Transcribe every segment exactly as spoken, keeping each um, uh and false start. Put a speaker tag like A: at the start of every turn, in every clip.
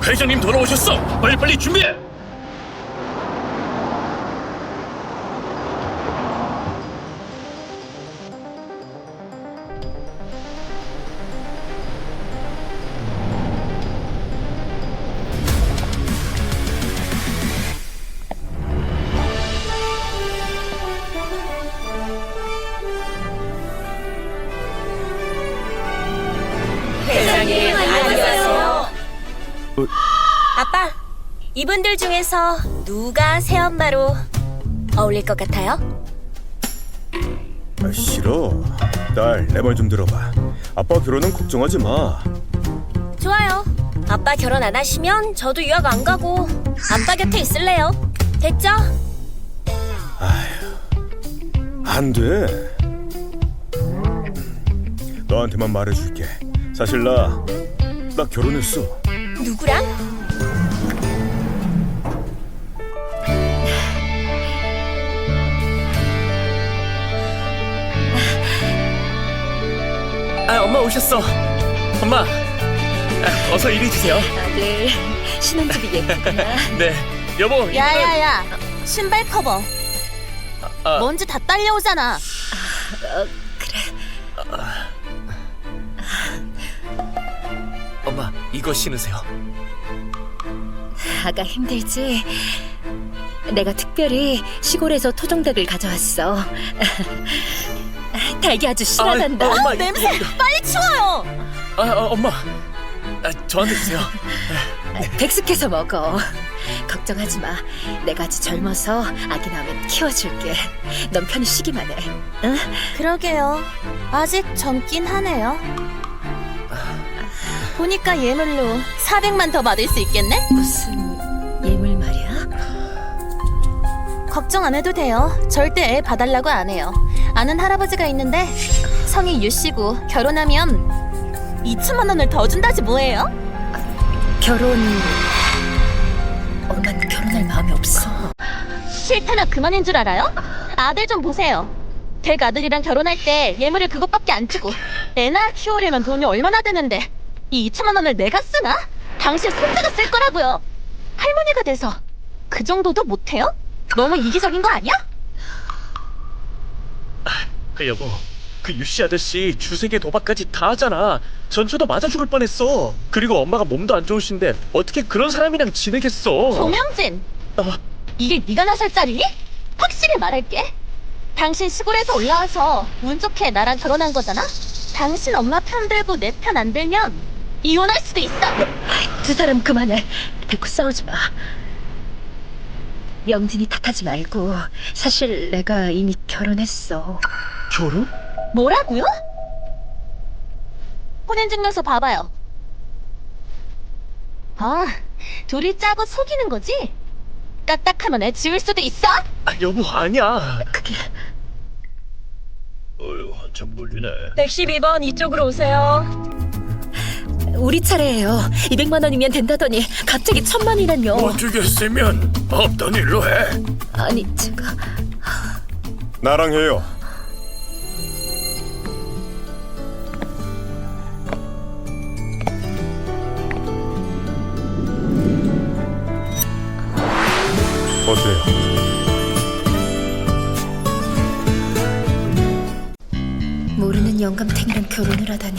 A: 회장님 돌아오셨어. 빨리빨리 준비해.
B: 회장님, 안녕하세요.
C: 아빠, 이분들 중에서 누가 새엄마로 어울릴 것 같아요?
D: 아, 싫어. 딸, 내 말 좀 들어봐. 아빠 결혼은 걱정하지 마.
C: 좋아요. 아빠 결혼 안 하시면 저도 유학 안 가고 아빠 곁에 있을래요. 됐죠?
D: 안 돼. 너한테만 말해줄게. 사실 나, 나 결혼했어.
C: 누구랑?
A: 아, 엄마 오셨어. 엄마, 아, 어서 이리 주세요.
B: 아들, 신혼집이 예쁘구나.
A: 네, 여보. 이거는-
C: 야야야, 신발 커버.
A: 아,
C: 먼지 다 딸려오잖아.
A: 엄마, 이거 신으세요.
B: 아가 힘들지? 내가 특별히 시골에서 토종닭을 가져왔어. 닭이 아주 실하단다.
A: 아, 엄마,
C: 냄새!
A: 이거-
C: 빨리 치워요!
A: 아, 아, 엄마, 아, 저한테 주세요.
B: 백숙해서 먹어. 걱정하지 마. 내가 아직 젊어서 아기 낳으면 키워줄게. 넌 편히 쉬기만 해. 응?
C: 그러게요. 아직 젊긴 하네요. 보니까 예물로 사백만 더 받을 수 있겠네?
B: 무슨 예물 말이야?
C: 걱정 안 해도 돼요. 절대 애 봐달라고 안 해요. 아는 할아버지가 있는데 성이 유씨고 결혼하면 이천만 원을 더 준다지 뭐예요?
B: 결혼... 엄마는 결혼할 마음이 없어.
C: 싫다나 그만인 줄 알아요? 아들 좀 보세요. 댁 아들이랑 결혼할 때 예물을 그것밖에 안 주고 애나 키우려면 돈이 얼마나 되는데 이 이천만 원을 내가 쓰나? 당신 손자가 쓸 거라고요. 할머니가 돼서 그 정도도 못해요? 너무 이기적인 거 아니야?
A: 그 여보, 그 유씨 아저씨 주세계 도박까지 다 하잖아. 전초도 맞아 죽을 뻔했어. 그리고 엄마가 몸도 안 좋으신데 어떻게 그런 사람이랑 지내겠어?
C: 송영진,
A: 아,
C: 이게 네가 나설 자리니? 확실히 말할게. 당신 시골에서 올라와서 운 좋게 나랑 결혼한 거잖아? 당신 엄마 편 들고 내 편 안 들면 이혼할 수도 있어.
B: 두 사람 그만해. 대꾸 싸우지 마. 영진이 탓하지 말고 사실 내가 이미 결혼했어.
A: 결혼?
C: 뭐라고요? 혼인증명서 봐봐요. 아, 둘이 짜고 속이는 거지? 까딱하면 애 지울 수도 있어?
A: 아, 여보, 아니야.
B: 그게
A: 어휴, 한참 걸리네.
C: 백십이 번 이쪽으로 오세요.
B: 우리 차례예요. 이백만 원이면 된다더니 갑자기 천만이란요.
A: 못 주겠으면 없던 일로 해.
B: 아니 제가
D: 나랑 해요. 어때요?
B: 모르는 영감탱이랑 결혼을 하다니.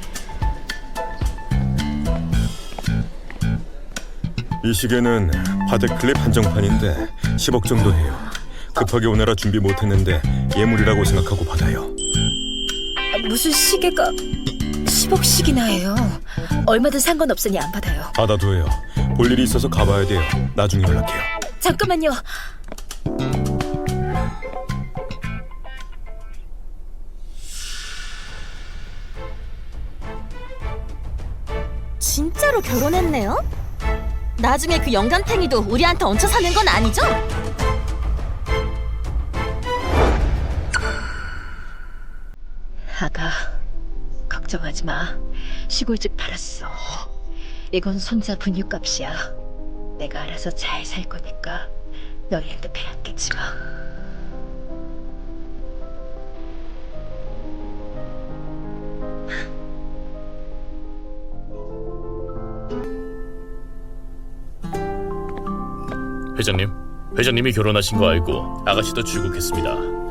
D: 이 시계는 파tek 클립 한정판인데 십억 정도 해요. 급하게 오느라 준비 못했는데 예물이라고 생각하고 받아요.
B: 아, 무슨 시계가 십억씩이나 해요. 얼마든 상관없으니 안 받아요.
D: 받아둬요. 볼 일이 있어서 가봐야 돼요. 나중에 연락해요.
B: 잠깐만요.
C: 진짜로 결혼했네요? 나중에 그 영감탱이도 우리한테 얹혀 사는 건 아니죠?
B: 아가, 걱정하지 마. 시골집 팔았어. 이건 손자 분유값이야. 내가 알아서 잘 살 거니까 너희한테 빼앗기지 마.
E: 회장님, 회장님이 결혼하신 거 알고 아가씨도 출국했습니다.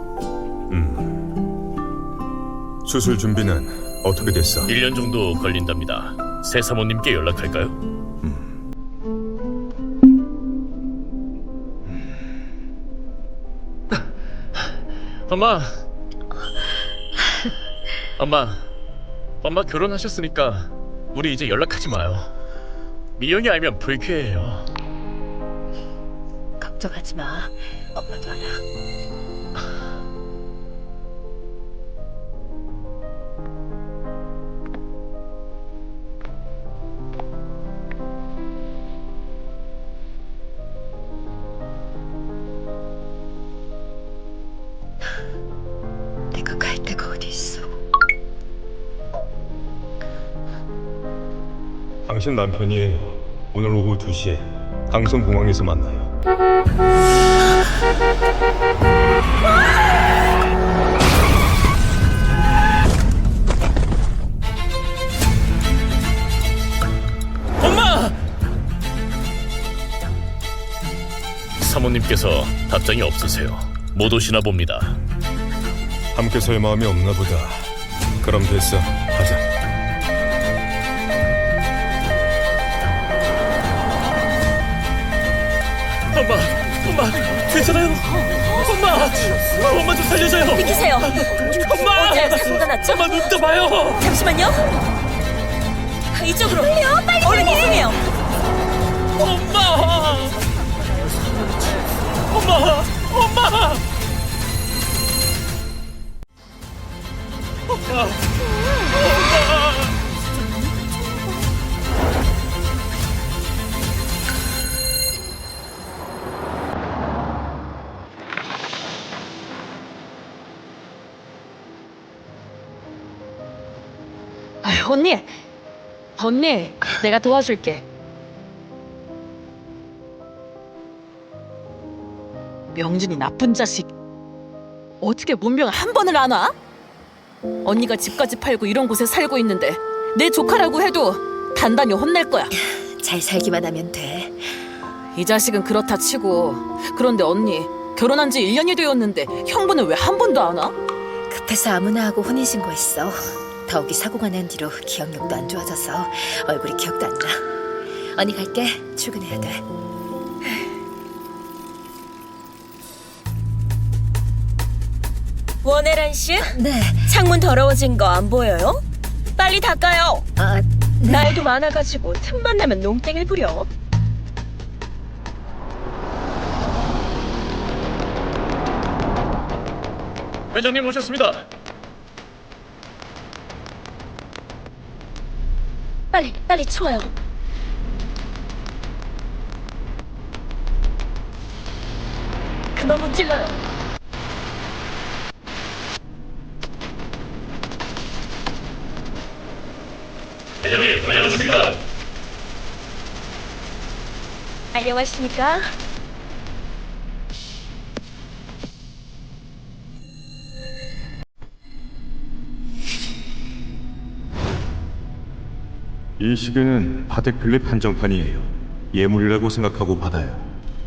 D: 음. 수술 준비는 어떻게 됐어?
E: 일 년 정도 걸린답니다. 새 사모님께 연락할까요?
A: 엄마. 엄마. 엄마 결혼하셨으니까 우리 이제 연락하지 마요. 미영이 알면 불쾌해요.
B: 걱정하지 마. 엄마도 알아. 내가 갈 데가 어디 있어?
D: 당신 남편이에요. 오늘 오후 두 시에 강성공항에서 만나요.
A: 엄마!
E: 사모님께서 답장이 없으세요. 못 오시나 봅니다.
D: 함께 살 마음이 없나 보다. 그럼 됐어. 가자.
A: 엄마! 엄마! 괜찮아요? 엄마! 엄마 좀 살려줘요!
C: 비키세요.
A: 엄마!
C: 어디에 사고가 났죠?
A: 엄마 눈 떠봐요!
C: 잠시만요. 이쪽으로. 빨리요, 빨리. 얼른 이동해요.
A: 엄마! 엄마! 엄마! 엄마!
C: 아유, 언니. 언니, 내가 도와줄게. 명준이 나쁜 자식. 어떻게 문병 한 번을 안 와? 언니가 집까지 팔고 이런 곳에 살고 있는데 내 조카라고 해도 단단히 혼낼 거야.
B: 잘 살기만 하면 돼.
C: 이 자식은 그렇다 치고, 그런데 언니 결혼한 지 일 년이 되었는데 형부는 왜 한 번도 안 와?
B: 급해서 아무나 하고 혼인신고했어. 더욱이 사고가 난 뒤로 기억력도 안 좋아져서 얼굴이 기억도 안 나. 언니 갈게. 출근해야 돼.
F: 원혜란 씨?
B: 네.
F: 창문 더러워진 거 안 보여요? 빨리 닦아요.
B: 아, 네.
F: 날도 많아가지고 틈만 나면 농땡이를 부려.
A: 회장님 오셨습니다.
F: 빨리 빨리 치워요. 그만 문질러요.
A: 회장님 다녀오셨습니다.
F: 안녕하십니까?
D: 이 시계는 파텍 필립 한정판이에요. 예물이라고 생각하고 받아요.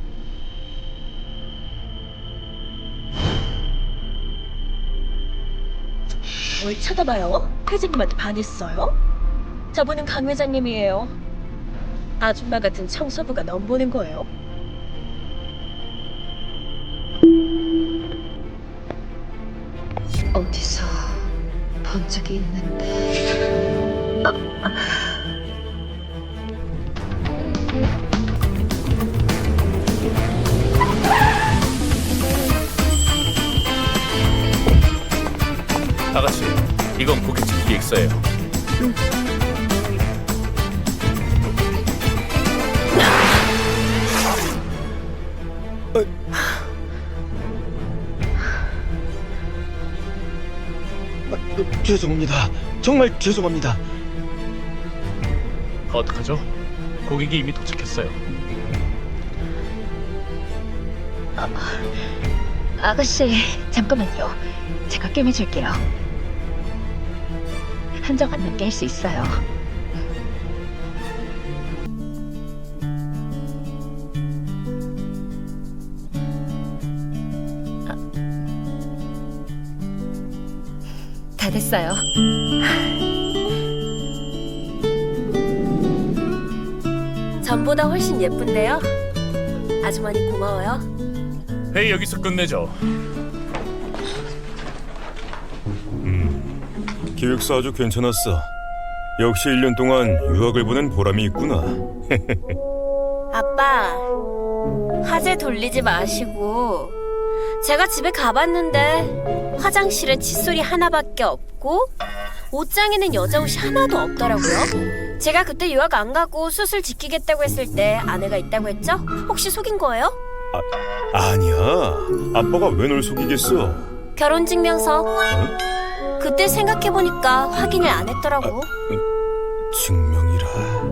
F: 뭘 쳐다봐요? 회장님한테 반했어요? 저분은 강 회장님이에요. 아줌마 같은 청소부가 넘보는 거예요.
B: 어디서 본 적이 있는데.
E: 아가씨, 이건 고깃집 기획서예요.
A: 죄송합니다. 정말 죄송합니다. 어떡하죠? 고객이 이미 도착했어요.
B: 아가씨, 잠깐만요. 제가 꿰매줄게요. 한정 안 넘게 할 수 있어요. 다 됐어요.
F: 전보다 훨씬 예쁜데요? 아주머니 고마워요.
E: 회의 여기서 끝내죠.
D: 기획서 아주 괜찮았어. 역시 일 년 동안 유학을 보낸 보람이 있구나.
F: 아빠, 화제 돌리지 마시고. 제가 집에 가봤는데 화장실에 칫솔이 하나밖에 없고 옷장에는 여자 옷이 하나도 없더라고요. 제가 그때 유학 안 가고 수술 지키겠다고 했을 때 아내가 있다고 했죠? 혹시 속인 거예요?
D: 아니야. 아빠가 왜 널 속이겠어?
F: 결혼증명서. 그때 생각해보니까 확인을 안 했더라고.
D: 증명이라.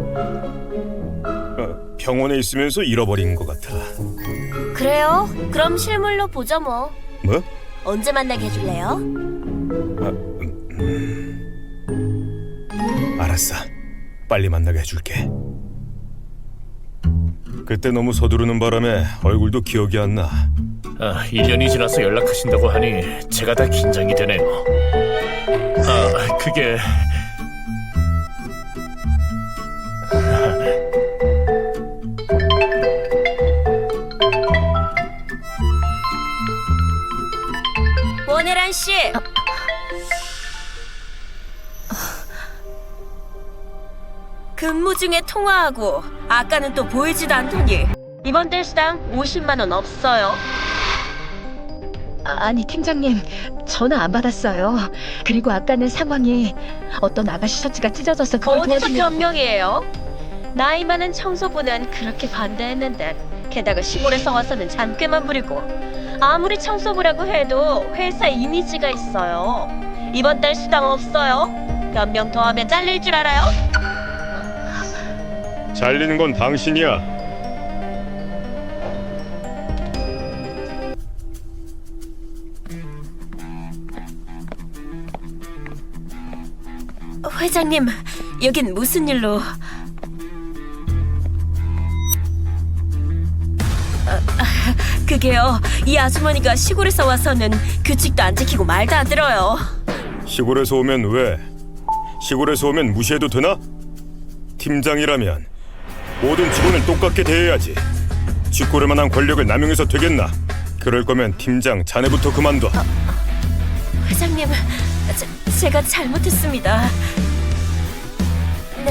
D: 어, 병원에 있으면서 잃어버린 것 같아.
F: 그래요? 그럼 실물로 보죠 뭐.
D: 뭐?
F: 언제 만나게 해줄래요?
D: 아, 음, 알았어. 빨리 만나게 해줄게. 그때 너무 서두르는 바람에 얼굴도 기억이 안 나.
E: 아, 일 년이 지나서 연락하신다고 하니 제가 다 긴장이 되네요. 아, 그게...
F: 원혜란 씨. 근무 중에 통화하고 아까는 또 보이지도 않더니 이번 달 수당 오십만 원 없어요.
B: 아, 아니 팀장님, 전화 안 받았어요. 그리고 아까는 상황이 어떤 아가씨 셔츠가 찢어져서 그걸
F: 어디서
B: 도와주는...
F: 변명이에요? 나이 많은 청소부는 그렇게 반대했는데 게다가 시골에서 와서는 잔꾀만 부리고 아무리 청소부라고 해도 회사 이미지가 있어요. 이번 달 수당 없어요. 몇 명 더 하면 잘릴 줄 알아요?
D: 잘리는 건 당신이야.
F: 회장님, 여긴 무슨 일로? 아, 아, 그게요, 이 아주머니가 시골에서 와서는 규칙도 안 지키고 말도 안 들어요.
D: 시골에서 오면 왜? 시골에서 오면 무시해도 되나? 팀장이라면 모든 직원을 똑같게 대해야지. 쥐꼬릴 만한 권력을 남용해서 되겠나? 그럴 거면 팀장 자네부터 그만둬.
F: 회장님, 제, 제가 잘못했습니다. 네.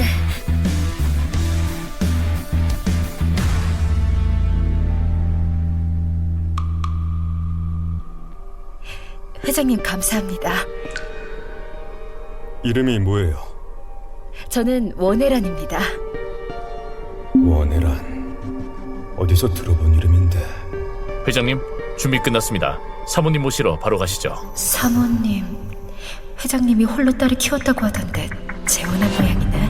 B: 회장님 감사합니다.
D: 이름이 뭐예요?
B: 저는 원혜란입니다.
D: 원혜란. 어디서 들어본 이름인데.
E: 회장님, 준비 끝났습니다. 사모님 모시러 바로 가시죠.
B: 사모님, 회장님이 홀로 딸을 키웠다고 하던데 재혼한 모양이네.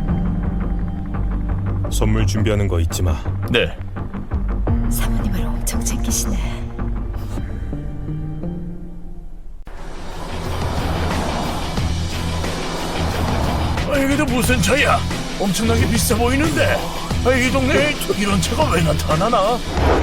D: 선물 준비하는 거 잊지 마.
E: 네.
B: 사모님을 엄청 챙기시네.
E: 아, 여기도 무슨 차야? 엄청나게 비싸 보이는데. 아, 이 동네에 이런 차가 왜 나타나나?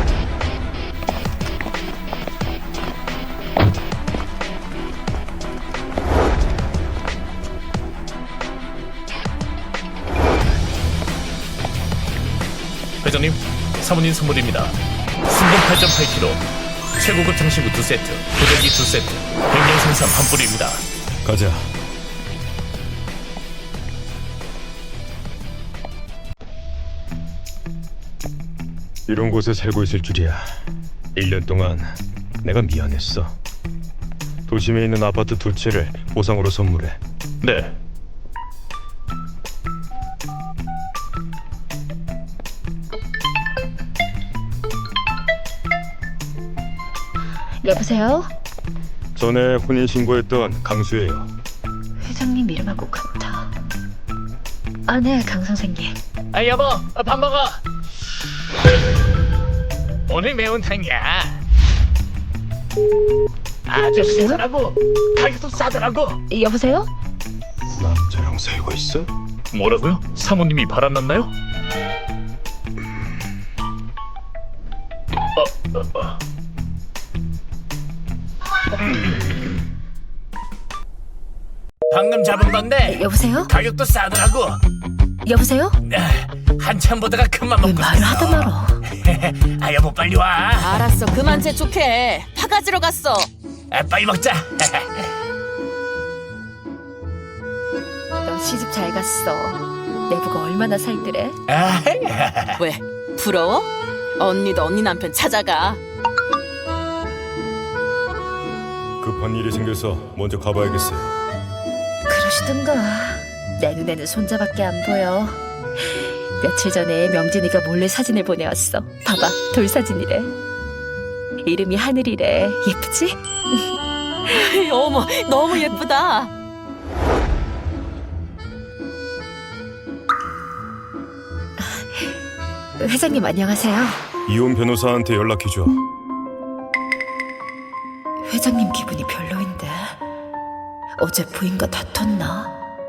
E: 회장님, 사모님 선물입니다. 순금 팔 점 팔 킬로그램, 최고급 장신구 두 세트, 고데기 두 세트, 백년 생산 한 뿌리입니다.
D: 가자. 이런 곳에 살고 있을 줄이야. 일 년 동안 내가 미안했어. 도심에 있는 아파트 두 채를 보상으로 선물해.
E: 네.
B: 여보세요?
D: 전에 혼인신고했던 강수예요.
B: 회장님 이름하고 같아. 아, 네, 강 선생님.
A: 아 여보, 아, 밥 먹어. 오늘 매운탕이야. 아주 싸더라고. 가격도 싸더라고.
B: 여보세요?
D: 남자랑 살고 있어?
E: 뭐라고요? 사모님이 바람났나요? 어, 어, 어. 방금 잡은 건데
B: 여보세요?
E: 가격도 싸더라고.
B: 여보세요?
E: 한참 보다가 그만
B: 왜
E: 먹고
B: 말을
E: 샀어.
B: 하다 말어.
E: 아 여보 빨리 와.
C: 알았어, 그만 재촉해. 파 가지러 갔어.
E: 아, 빨리 먹자.
B: 너 시집 잘 갔어. 내부가 얼마나 살뜰해?
E: 아,
C: 왜? 부러워? 언니도 언니 남편 찾아가.
D: 급한 일이 생겨서 먼저 가봐야겠어요.
B: 그러시든가. 내 눈에는 손자밖에 안 보여. 며칠 전에 명진이가 몰래 사진을 보내왔어. 봐봐, 돌사진이래. 이름이 하늘이래. 예쁘지?
C: 어머, 너무 예쁘다.
B: 회장님 안녕하세요.
D: 이혼 변호사한테 연락해줘.
B: 회장님 기분이 별로인데 어제 부인과 다퉜나?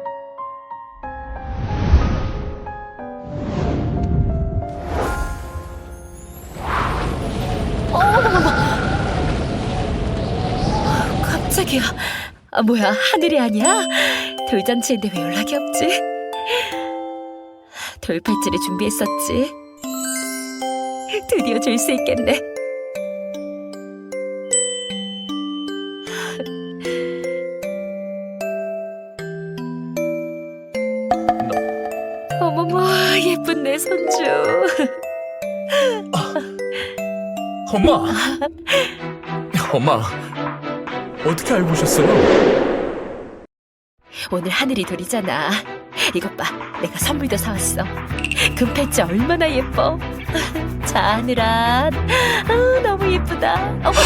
B: 어, 깜짝이야. 아, 뭐야, 하늘이 아니야? 돌잔치인데 왜 연락이 없지? 돌팔찌를 준비했었지. 드디어 줄 수 있겠네. 어머머, 예쁜 내 손주.
E: 엄마. 엄마. 어떻게 알고 오셨어요?
B: 오늘 하늘이 돌이잖아. 이것 봐, 내가 선물도 사왔어. 금팔찌 얼마나 예뻐. 자, 하늘아. 아, 너무 예쁘다. 어머,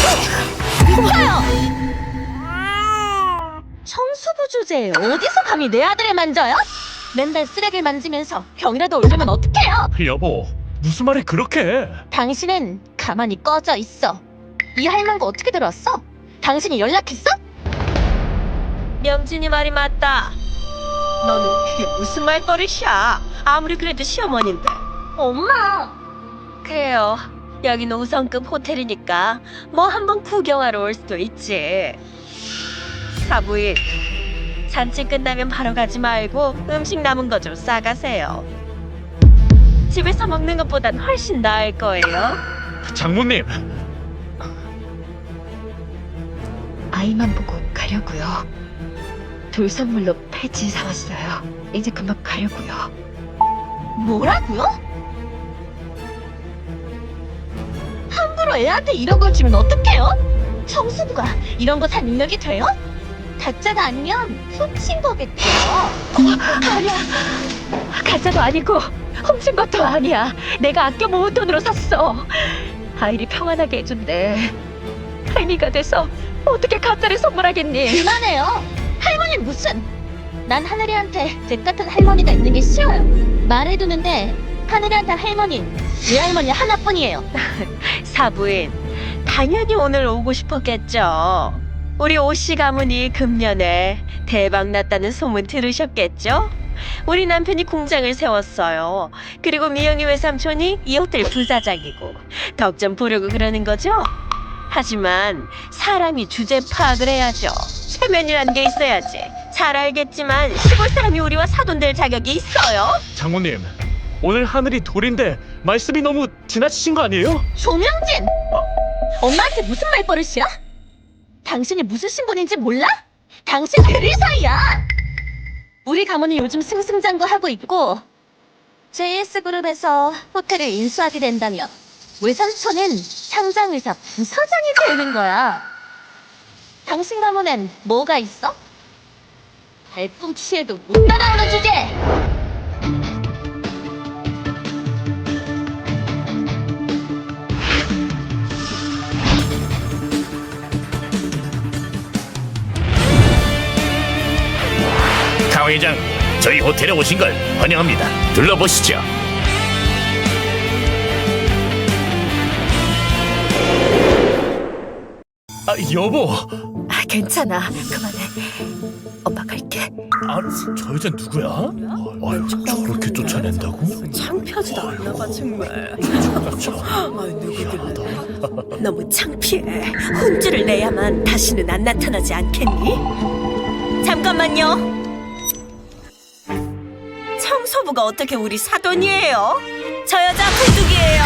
C: 청소부 주제에 어디서 감히 내 아들을 만져요? 맨날 쓰레기를 만지면서 병이라도 올리면 어떡해요?
A: 여보, 무슨 말을 그렇게 해?
C: 당신은 가만히 꺼져 있어. 이 할망구 어떻게 들었어? 당신이 연락했어?
F: 명진이 말이 맞다. 너는 그게 무슨 말버릇이야? 아무리 그래도 시어머니인데.
C: 엄마!
F: 그래요. 여기는 우성급 호텔이니까 뭐 한번 구경하러 올 수도 있지. 사부인, 잔치 끝나면 바로 가지 말고 음식 남은 거 좀 싸가세요. 집에서 먹는 것보단 훨씬 나을 거예요.
A: 장모님,
B: 아이만 보고 가려고요. 돌 선물로 팔찌 사왔어요. 이제 금방 가려고요.
C: 뭐라고요? 함부로 애한테 이런 걸 주면 어떡해요? 청수부가 이런 거 살 능력이 돼요? 가짜가 아니면 훔친 거겠죠.
B: 아니야. 가짜도 아니고 훔친 것도 아니야. 내가 아껴 모은 돈으로 샀어. 아이를 평안하게 해준대. 할미가 돼서 어떻게 가짜를 선물하겠니?
C: 그만해요. 할머니 무슨? 난 하늘이한테 제 같은 할머니가 있는 게 싫어요. 말해두는데 하늘이한테 할머니, 외할머니 하나뿐이에요.
F: 사부인, 당연히 오늘 오고 싶었겠죠. 우리 오씨 가문이 금년에 대박 났다는 소문 들으셨겠죠? 우리 남편이 공장을 세웠어요. 그리고 미영이 외삼촌이 이 호텔 부사장이고 덕 좀 보려고 그러는 거죠? 하지만 사람이 주제 파악을 해야죠. 체면이란 게 있어야지. 잘 알겠지만 시골 사람이 우리와 사돈될 자격이 있어요.
A: 장모님, 오늘 하늘이 돌인데 말씀이 너무 지나치신 거 아니에요?
C: 조명진! 엄마한테 무슨 말버릇이야? 당신이 무슨 신분인지 몰라? 당신 대리사이야! 우리 가문이 요즘 승승장구하고 있고 제이에스그룹에서 호텔을 인수하게 된다면 외삼촌은 상장의사 부사장이 되는 거야. 당신 가문엔 뭐가 있어? 발꿈치에도 못 따라오는 주제!
E: 강 회장, 저희 호텔에 오신 걸 환영합니다. 둘러보시죠. 아, 여보.
B: 아, 괜찮아. 그만해. 엄마 갈게.
E: 아, 저 여자 누구야? 아유, 저렇게 쫓아낸다고?
F: 창피하지도 않나 봐 정말.
E: 저,
F: 너무 창피해. 혼쭐을 내야만 다시는 안 나타나지 않겠니? 잠깐만요. 사모가 어떻게 우리 사돈이에요? 저 여자 불뚝이에요.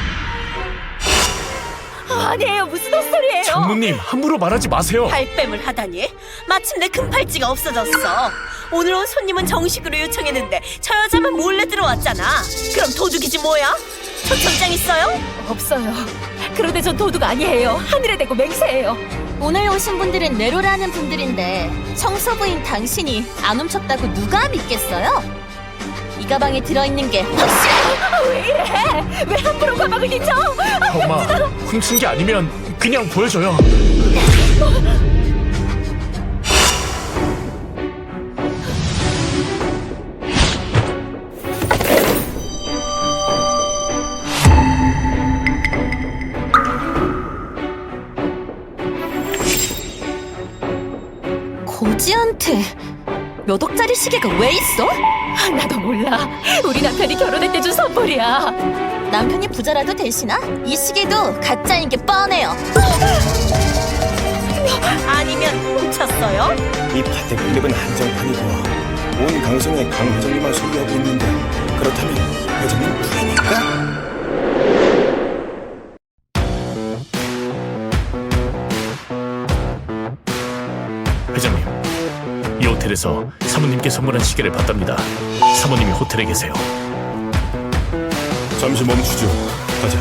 F: 아니에요, 무슨 헛소리예요?
E: 장모님 함부로 말하지 마세요.
F: 발뺌을 하다니? 마침내 금팔찌가 없어졌어. 오늘 온 손님은 정식으로 요청했는데 저 여자만 몰래 들어왔잖아. 그럼 도둑이지 뭐야? 초청장 있어요?
B: 없어요. 그런데 전 도둑 아니에요. 하늘에 대고 맹세해요.
C: 오늘 오신 분들은 내로라는 분들인데 청소부인 당신이 안 훔쳤다고 누가 믿겠어요? 이 가방에 들어있는 게 확실해.
B: 왜 이래? 왜 함부로 가방을 뒤져?
E: 엄마, 훔친 게 아니면 그냥 보여줘요.
C: 고지한테 몇 억짜리 시계가 왜 있어?
B: 나도 몰라. 우리 남편이 결혼할 때 준 선물이야.
C: 남편이 부자라도 되시나? 이 시계도 가짜인 게 뻔해요.
F: 아니면 훔쳤어요?
D: 이 파텍 클립은 한정판이고 온 강성의 강 회장님만 소유하고 있는데 그렇다면 회장님 부인일까?
E: 회장님, 이 호텔에서 사모님께 선물한 시계를 봤답니다. 사모님이 호텔에 계세요.
D: 잠시 멈추죠. 가자.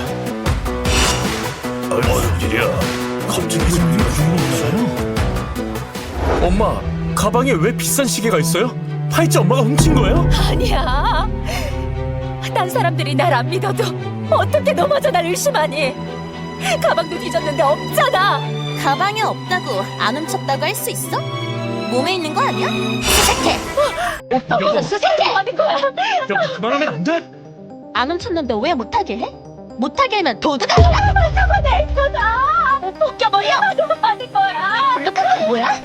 E: 무슨 일이야? 갑자기 회장님이 죽는 거잖아요. 엄마, 가방에 왜 비싼 시계가 있어요? 팔찌 엄마가 훔친 거예요?
B: 아니야. 딴 사람들이 날 안 믿어도 어떻게 넘어져 날 의심하니? 가방도 뒤졌는데 없잖아.
C: 가방에 없다고 안 훔쳤다고 할 수 있어? 몸에 있는 거 아니야? 수색해.
B: 오빠가 수색해 하는 거야.
E: 여보, 그만하면 안 돼?
C: 안 훔쳤는데 왜 못하게 해? 못하게 하면 도둑 아니야?
B: 저거 내 거다. 벗겨버려. 누가 받은 거야?
C: 블루카드 뭐야?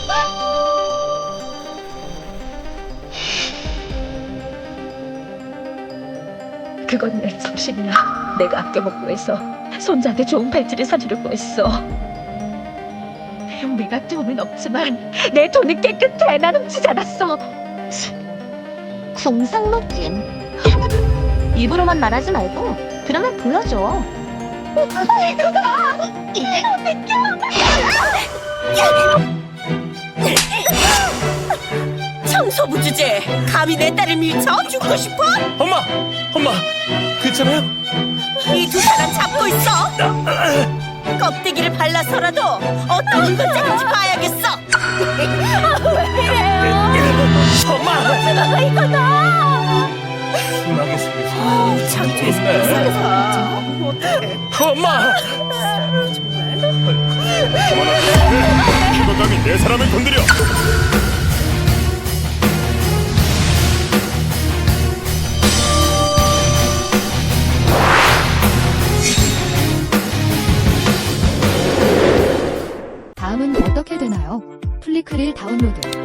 B: 그건 내 정신이야. 내가 아껴 먹고 해서 손자한테 좋은 팔찌를 사주려고 했어. 우리가 돈은 없지만 내 돈은 깨끗해. 난 훔치지 않았어.
C: 궁상맞긴. 입으로만 말하지 말고 그러면 보여줘.
F: 청소부 주제 감히 내 딸을 밀쳐 죽고 싶어?
E: 엄마! 엄마! 괜찮아요?
F: 이 두 사람 잡고 있어. 껍데기를 발라서라도 어떤 물건장인지 봐야겠어.
E: 엄마!
B: 이거다.
E: 순하게 생겨서
F: 창피해서
E: 좋네. 엄마!
D: 누가 감히 내 사람을 건드려?
G: 다음은 어떻게 되나요? 플리크릴 다운로드